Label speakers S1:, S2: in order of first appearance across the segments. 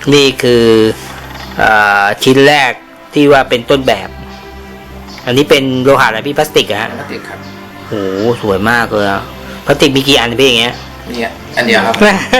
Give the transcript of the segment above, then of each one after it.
S1: นี่คือชิ้นแรกที่ว่าเป็นต้นแบบอันนี้เป็นโลหะอะไรพี่พลาสติกอะฮะ
S2: พลาสติกครับ
S1: โหสวยมากเลยพลาสติกมีกี่อันพี่อย่างเงี้ย
S2: นี่อันเดียวครับ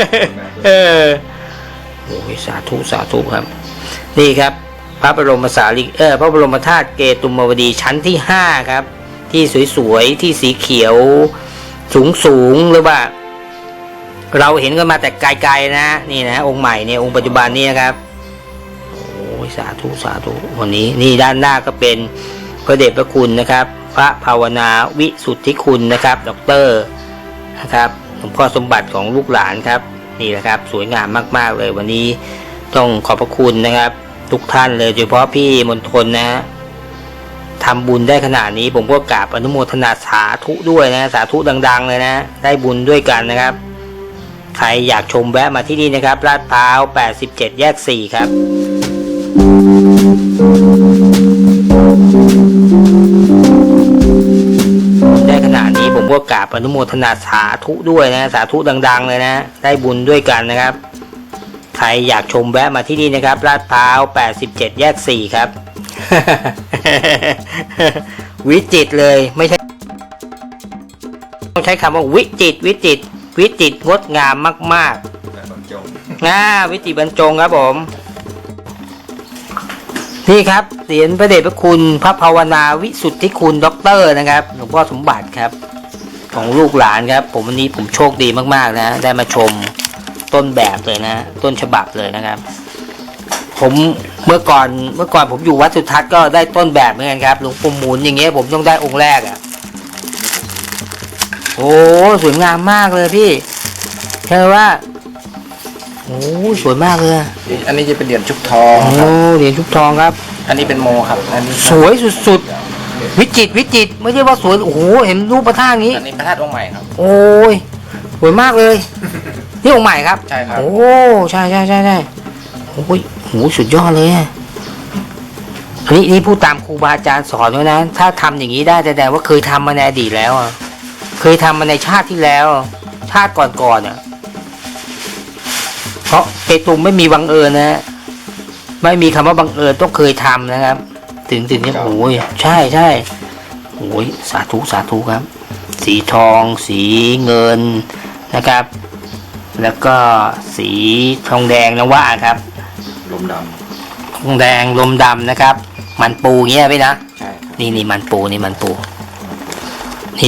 S1: โอ้ยสาธุสาธุครับนี่ครับพระบรมสารีพระบรมธาตุเกตุมวดีชั้นที่5ครับที่สวยๆที่สีเขียวสูงหรือว่าเราเห็นกันมาแต่ไกลๆนะนี่นะองค์ใหม่เนี่ยองค์ปัจจุบันนี้นะครับโอ้ยสาธุสาธุวันนี้นี่ด้านหน้าก็เป็นพระเดชพระคุณนะครับพระภาวนาวิสุทธิคุณนะครับด็อกเตอร์นะครับหลวงพ่อสมบัติของลูกหลานครับนี่แหละครับสวยงามมากๆเลยวันนี้ต้องขอบพระคุณนะครับทุกท่านเลยโดยเฉพาะพี่มณฑลนะฮะทำบุญได้ขนาดนี้ผมก็กราบอนุโมทนาสาธุด้วยนะสาธุดังๆเลยนะได้บุญด้วยกันนะครับใครอยากชมแวะมาที่นี่นะครับลาดพร้าว87แยก4ครับได้ขนาดนี้ผมก็กราบอนุโมทนาสาธุด้วยนะสาธุดังๆเลยนะได้บุญด้วยกันนะครับใครอยากชมแวะมาที่นี่นะครับลาดพร้าว87แยก4ครับ วิจิตรเลยไม่ใช่ต้องใช้คำว่าวิจิตรงดงามมากๆวิจิตรบรรจงครับผมนี่ครับเหรียญพระเดชพระคุณพระภาวนาวิสุทธิคุณด็อกเตอร์นะครับหลวงพ่อสมบัติครับของลูกหลานครับผมวันนี้ผมโชคดีมากๆนะได้มาชมต้นแบบเลยนะต้นฉบับเลยนะครับผมเมื่อก่อนผมอยู่วัดสุทัศน์ก็ได้ต้นแบบเหมือนกันครับหลวงปู่หมุนอย่างเงี้ยผมต้องได้องค์แรกอ่ะโอ้สวยงามมากเลยพี่ใช่ว่าโอ้สวยมากเลย
S2: อันนี้จะเป็นเหรียญชุบทอง
S1: โอ้เหรียญชุบทองครับ
S2: อันนี้เป็นโมครับอันนี้
S1: สวยสุดๆวิจิตรไม่ใช่ว่าสวยโอ้โหเห็นรูปพระธาตุนี้
S2: อันนี้พระธาตุองค์ใหม่ครับ
S1: โอ้ยสวยมากเลยนี่องค์ใหม่ครับ
S2: ใช่ครับ
S1: โอ้ใช่โอ้ยโหสุดยอดเลยนี่พูดตามครูบาอาจารย์สอนไว้นะถ้าทำอย่างนี้ได้แต่ว่าเคยทำมาในอดีตแล้วเคยทำมาในชาติที่แล้วชาติก่อนเพราะเกตุมไม่มีบังเอิญนะไม่มีคำว่าบังเอิญต้องเคยทำนะครับถึงเนี่ยโอ้ยใช่โอ้ยสาธุครับสีทองสีเงินนะครับแล้วก็สีทองแดงนะว่าครับ
S2: ลมด
S1: ำทองแดงลมดำนะครับมันปูเงี้ยพี่นะ
S2: ใช่
S1: นี่มันปูนี่นะ
S2: นี่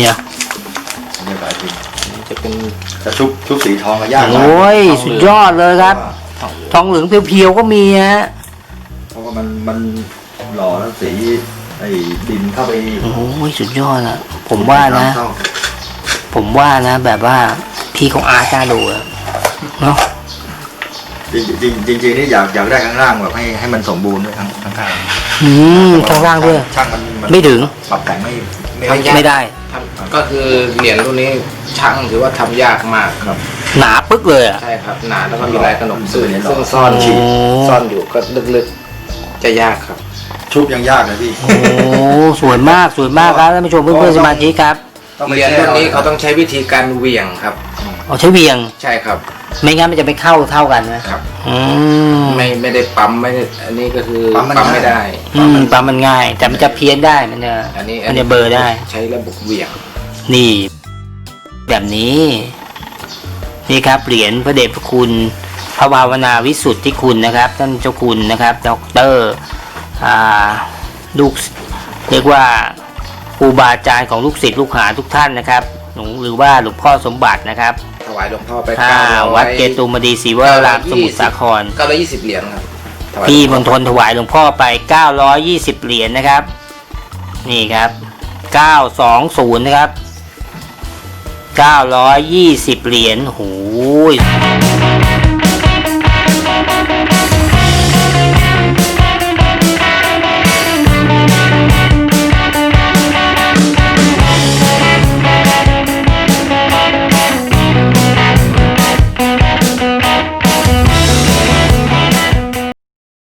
S2: จะเป็นกระชุบสีทองกับย่า
S1: โอ้ยสุดยอดเลยครับทองเหลืองเพียวๆก็มีฮะ
S2: เพราะว่ามันหล่อแล้วสีไอ้ดินเข้าไป
S1: โอ้ยสุดยอดอะผมว่านะแบบว่าพี่ของอาร์ตน่าดูเนาะ
S2: จริงนี่อยากได้ข้างล่างแบบให้มันสมบูรณ์ด้วยข้าง
S1: ข้างล่างด้วย
S2: ช่างมัน
S1: ไม่ถึง
S2: ปรับแต่ง
S1: ไม่ได้
S2: ก็คือเหรียญรุ่นนี้ช่างถือว่าทำยากมากครับ
S1: หนาปึ๊กเลยอ่ะ
S2: ใช่ครับหนาแล้วก็มีลายขนมซื่อซึ่งซ่อนอยู่ก็ลึกๆจะยากครับชุบยังยากเลยพี่
S1: โอ้สวยมากครับท่านผู้ชมเพื่อนๆสมาชิกครับ
S2: เหรียญรุ่นนี้เขาต้องใช้วิธีการเหวี่ยงครับ
S1: ใช้เหวี่ยง
S2: ใช่ครับ
S1: ไม่งั้นมันจะไปเข้าเท่ากันนะครับ
S2: ไม่ได้ปั๊มไม่ได้อันนี้ก็คือปั๊มไม่ได้
S1: ปั๊มมันง่ายแต่มันจะเพี้ยนได้มันจะเบอร์ได้
S2: ใช้ระบบเหวี่ยง
S1: นี่แบบนี้นี่ครับเหรียญพระเดชพระคุณพระภาวนาวิสุทธิคุณนะครับท่านเจ้าคุณนะครับด็อกเตอร์ลูกเรียกว่าครูบาอาจารย์ของลูกศิษย์ลูกหาทุกท่านนะครับหรือว่าหลวงพ่อสมบัตินะครับ
S2: ถวายหลวงพ่อไป
S1: วัดเกตุมดีศรีวรารามสมุทรสาคร
S2: 920เหรียญครับ
S1: พี่มณฑลถวายหลวงพ่อไป920เหรียญนะครับนี่ครับ920นะครับ920เหรียญโห